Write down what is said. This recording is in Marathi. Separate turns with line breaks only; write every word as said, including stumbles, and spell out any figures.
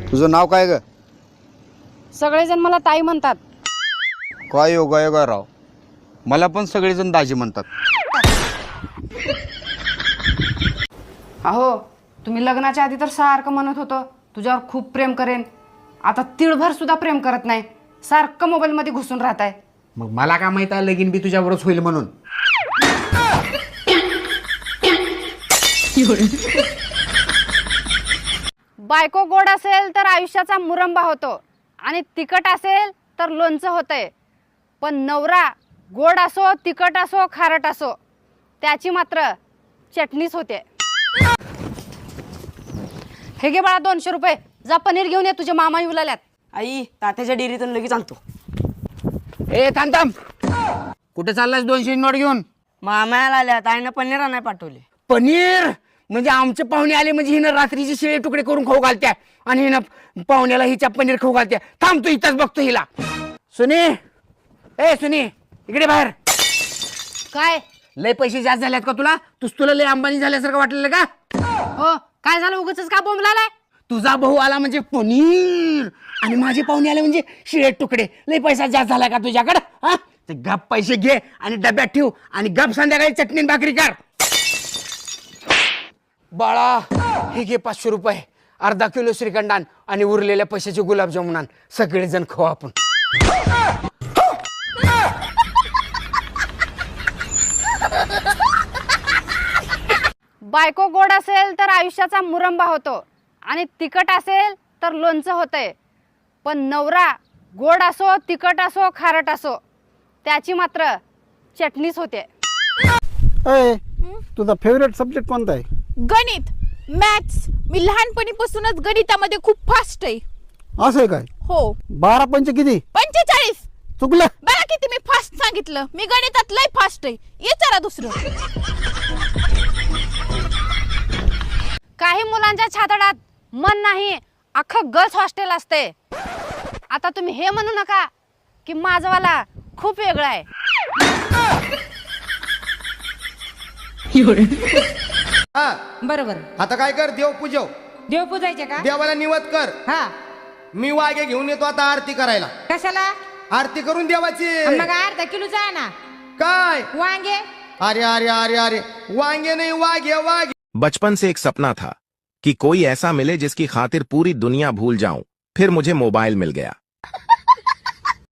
तुझं नाव काय ग?
सगळेजण मला ताई म्हणतात.
काय योगा योगा राव, मला पण सगळेजण दाजी म्हणतात.
अहो तुम्ही लग्नाच्या आधी तर सारखं म्हणत होतं तुझ्यावर खूप प्रेम करेन, आता तिळभर सुद्धा प्रेम करत नाही, सारखं मोबाईल मध्ये घुसून राहताय.
मग मला काय माहित आहे लगीन बी तुझ्यावरच होईल म्हणून.
बायको गोड असेल तर आयुष्याचा मुरंबा होतो आणि तिखट असेल तर लोणचं होतंय, पण नवरा गोड असो तिखट असो खारट असो त्याची मात्र चटणीच होते. हे घे बाळा दोनशे रुपये, जा पनीर घेऊन ये, तुझे मामा येऊ लागल्यात.
आई तात्याच्या डेअरीतून लगेच आणतो.
ए थांब थांब, कुठे चाललास दोनशे नोट घेऊन?
मामाला आल्या ताईनं पनीर नाही पाठवले.
पनीर म्हणजे आमचे पाहुणे आले म्हणजे हिनं रात्रीचे शिळे तुकडे करून खाऊ घालत्या आणि हिनं पाहुण्याला हिच्या पनीर खाऊ घालत्या. थांब तू इथंच बघतो हिला. सुनी, ए सुनी इकडे बाहेर.
काय
लय पैसे जास्त झाल्यात का तुला? तुझ तुला लय अंबानी झाल्यासारखं वाटलेलं का?
हो काय झालं, उगाचच का बोंबलालाय?
तुझा भाऊ आला म्हणजे पनीर आणि माझे पाहुणे आले म्हणजे शिळे तुकडे. लय पैसा जास्त झाला का तुझ्याकडं? हा ते गप पैसे घे आणि डब्यात ठेव आणि गप संध्याकाळी चटणी भाकरी कर. बाळा हे घे पाचशे रुपये, अर्धा किलो श्रीखंडान आणि उरलेल्या पैशाचे गुलाबजामुन आण, सगळेजण खाऊ आपण.
बायको गोड असेल तर आयुष्याचा मुरंबा होतो आणि तिखट असेल तर लोणचं होतंय, पण नवरा गोड असो तिखट असो खारट असो त्याची मात्र चटणीच होते.
अय तुझा फेवरेट सब्जेक्ट कोणता आहे?
गणित, मॅथ्स. मी लहानपणीपासूनच गणितामध्ये खूप फास्ट आहे.
असं आहे काय?
हो.
बारा पंच किती?
पंचेचाळीस.
चुकलं.
बघा किती मी फास्ट सांगितलं. मी गणितात लय फास्ट आहे. ये चला दुसरं.
काही मुलांच्या छातडात मन नाही, अख्खं गर्ल्स हॉस्टेल असते. आता तुम्ही हे म्हणू नका की माझवाला खूप वेगळा आहे.
बरोबर.
आता काय कर, देव पूजव.
देव पूजायचे का?
देवाला निवत कर.
हा.
मी वाघे घेऊन येतो आता आरती करायला.
कशाला?
आरती करून देवाची.
मग अर्धा किलोचा आहे ना.
काय
वांगे?
अरे अरे अरे अरे वांगे नहीं वाघे वाघे.
बचपन से एक सपना था कि कोई ऐसा मिले जिसकी खातिर पूरी दुनिया भूल जाऊं. फिर मुझे मोबाइल मिल गया.